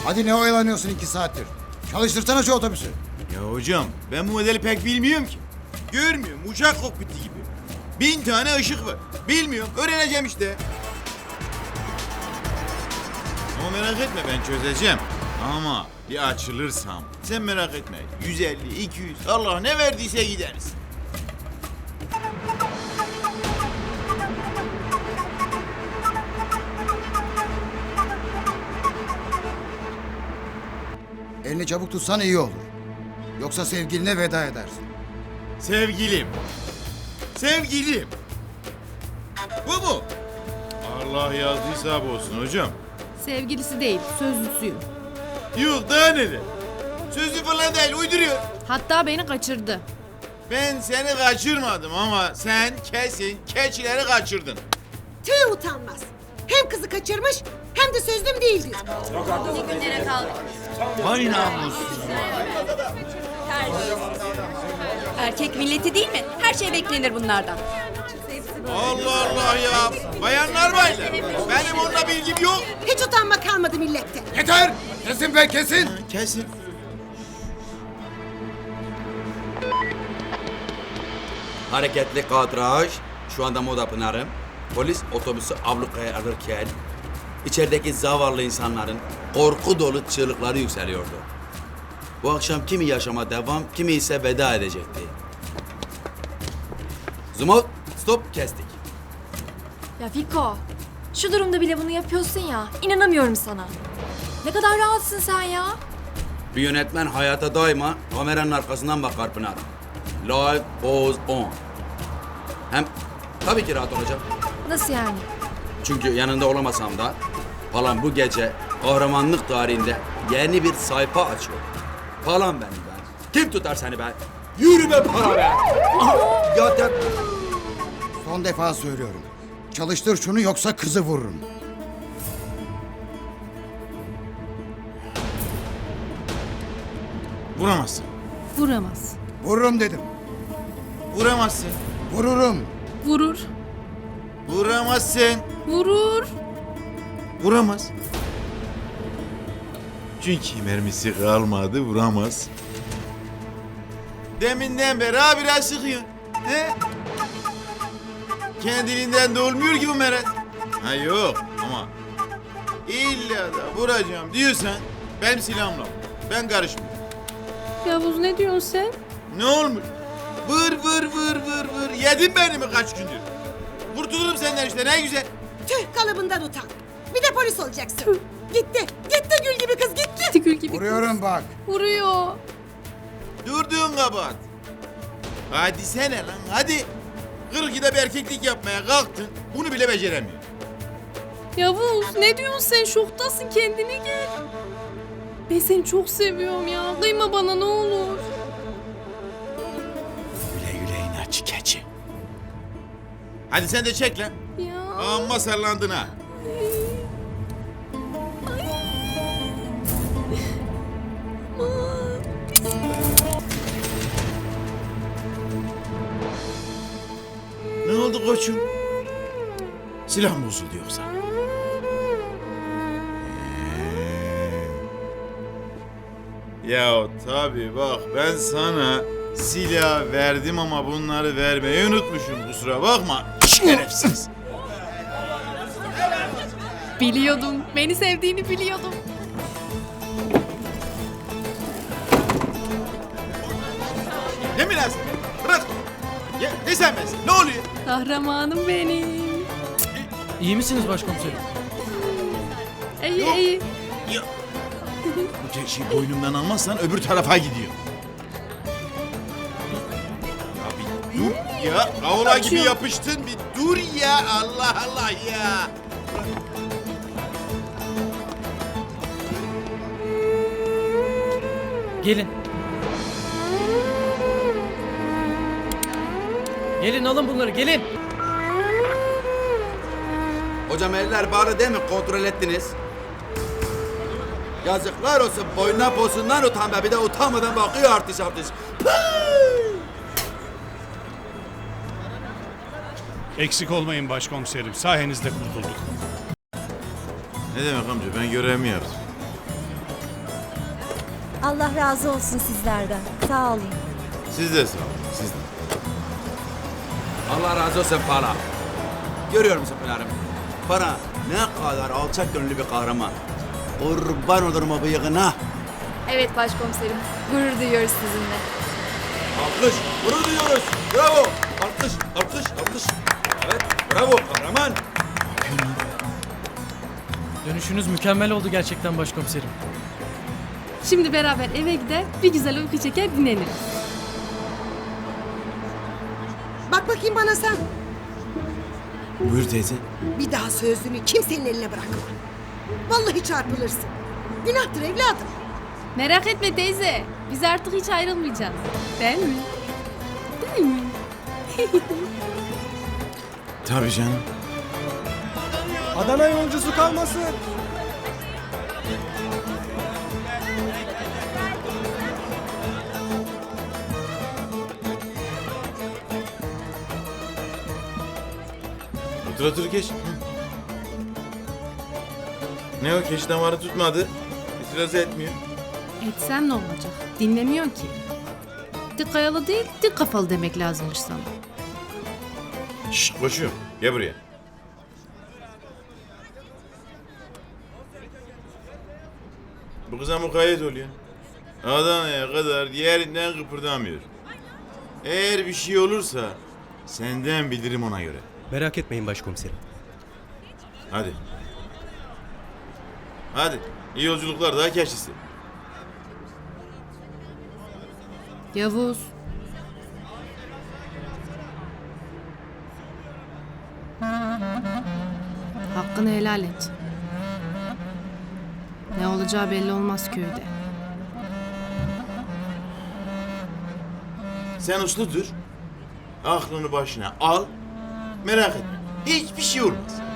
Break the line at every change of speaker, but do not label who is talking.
Hadi ne oyalanıyorsun 2 saattir? Çalıştırsana şu otobüsü.
Ya hocam ben bu modeli pek bilmiyorum ki. Görmüyorum uçak kokpiti gibi. 1000 tane ışık var. Bilmiyorum öğreneceğim işte. Ama merak etme ben çözeceğim. Ama bir açılırsam sen merak etme. 150, 200 Allah ne verdiyse gideriz.
Elini çabuk tutsan iyi olur. Yoksa sevgiline veda edersin.
Sevgilim. Sevgilim. Bu mu? Allah yazdıysa bu olsun hocam.
Sevgilisi değil, sözlüsüyüm.
Yok daha neler. Sözlü falan değil uyduruyor.
Hatta beni kaçırdı.
Ben seni kaçırmadım ama sen kesin keçileri kaçırdın.
Tüh utanmaz. Hem kızı kaçırmış hem de sözlüm değil diyor.
Vay namussuz.
Erkek milleti değil mi? Her şey beklenir bunlardan.
Allah Allah ya. Bayanlar baylar. Benim onunla bilgim yok.
Hiç utanma kalmadı millette.
Yeter! Kesin be kesin!
Kesin.
Hareketli kadraj, şu anda Moda Pınar'ım. Polis otobüsü ablukaya alırken içerideki zavallı insanların korku dolu çığlıkları yükseliyordu. Bu akşam kimi yaşama devam, kimi ise veda edecekti. Zoom out, stop, kestik.
Ya Fiko, şu durumda bile bunu yapıyorsun ya. İnanamıyorum sana. Ne kadar rahatsın sen ya.
Bir yönetmen hayata daima kameranın arkasından bakar Pınar. Live goes on. Hem tabii ki rahat olacağım.
Nasıl yani?
Çünkü yanında olamasam da Palan bu gece kahramanlık tarihinde yeni bir sayfa açıyor. Palan benim ben. Kim tutar seni be? Yürü be para be! Aha, ya.
Son defa söylüyorum. Çalıştır şunu yoksa kızı vururum.
Vuramazsın.
Vuramaz.
Vururum dedim.
Vuramazsın.
Vururum.
Vurur.
Vuramazsın.
Vurur.
Vuramaz. Çünkü mermisi kalmadı vuramaz. Deminden beri habire sıkıyor. He? Kendiliğinden de olmuyor ki bu meret. Ha yok ama illa da vuracağım diyorsan benim silahımla vur. Ben karışmıyorum.
Yavuz ne diyorsun sen?
Ne olmuş? Vır vır vır vır vır. Yedin beni mi kaç gündür? Kurtulurum senden işte ne güzel.
Tüh kalıbından utan. Bir de polis olacaksın. Gitti. Gitti gül gibi kız gitti.
Tigül gibi.
Vuruyorum bak.
Vuruyor.
Durduğun kabahat. Hadi sene lan hadi. 42'de bir erkeklik yapmaya kalktın. Bunu bile beceremiyor.
Yavuz ne diyorsun sen? Şoktasın, kendine gel. Ben seni çok seviyorum ya. Kıyma bana ne olur.
Güle güle inatçı keçi. Hadi sen de çek lan.
Ya.
Amma sallandın ha. Ne oldu koçum? Silah mı bozuldu yoksa? Ya tabii bak ben sana silah verdim ama bunları vermeyi unutmuşum kusura bakma. Şerefsiz.
Biliyordum. Beni sevdiğini biliyordum.
Ne münasebet? Bırak. Ya, ne sen bensin? Ne oluyor?
Kahramanım benim.
İyi misiniz başkomiserim?
İyi
Yok.
iyi.
Ya. Bu keçiyi boynumdan almazsan öbür tarafa gidiyor. Ya bir dur ya. Avla gibi yapıştın bir dur ya. Allah Allah ya.
Gelin. Gelin alın bunları gelin.
Hocam eller bağlı değil mi? Kontrol ettiniz. Yazıklar olsun. Boynuna posundan utan be. Bir de utanmadan bakıyor artış artış.
Eksik olmayın başkomiserim. Sayenizde kurtulduk.
Ne demek amca ben görevimi yaptım.
Allah razı olsun sizlerden. Sağ olun.
Siz de sağ olun. Siz de.
Allah razı olsun para. Görüyor musun Pınar'ım? Para ne kadar alçak gönüllü bir kahraman. Kurban olurum o bıyığına.
Evet başkomiserim. Gurur duyuyoruz sizinle.
Alkış, gurur duyuyoruz. Bravo. Alkış, alkış, alkış. Evet, bravo kahraman.
Dönüşünüz mükemmel oldu gerçekten başkomiserim.
Şimdi beraber eve gider bir güzel uyku çeker dinleniriz.
Bak bakayım bana sen.
Buyur teyze.
Bir daha sözünü kimsenin eline bırakma. Vallahi çarpılırsın. Günahtır evladım.
Merak etme teyze. Biz artık hiç ayrılmayacağız. Değil mi? Değil mi?
Tabii canım.
Adana yolcusu kalmasın.
Otur otur geç. Ne o keş damarı tutmadı. İtiraz etmiyor.
Etsem ne olacak? Dinlemiyor ki. Dik kayalı değil, dik kafalı demek lazımmış sana.
Şşş koşuyorum. Gel buraya. Bu kıza mukayyet oluyor. Adana'ya kadar yerinden kıpırdamıyor. Eğer bir şey olursa senden bilirim ona göre.
Merak etmeyin başkomiserim.
Hadi. Hadi. İyi yolculuklar daha keşisi.
Yavuz. Hakkını helal et. Ne olacağı belli olmaz köyde.
Sen uslu dur. Aklını başına al. Merak etme. Hiçbir şey olmaz.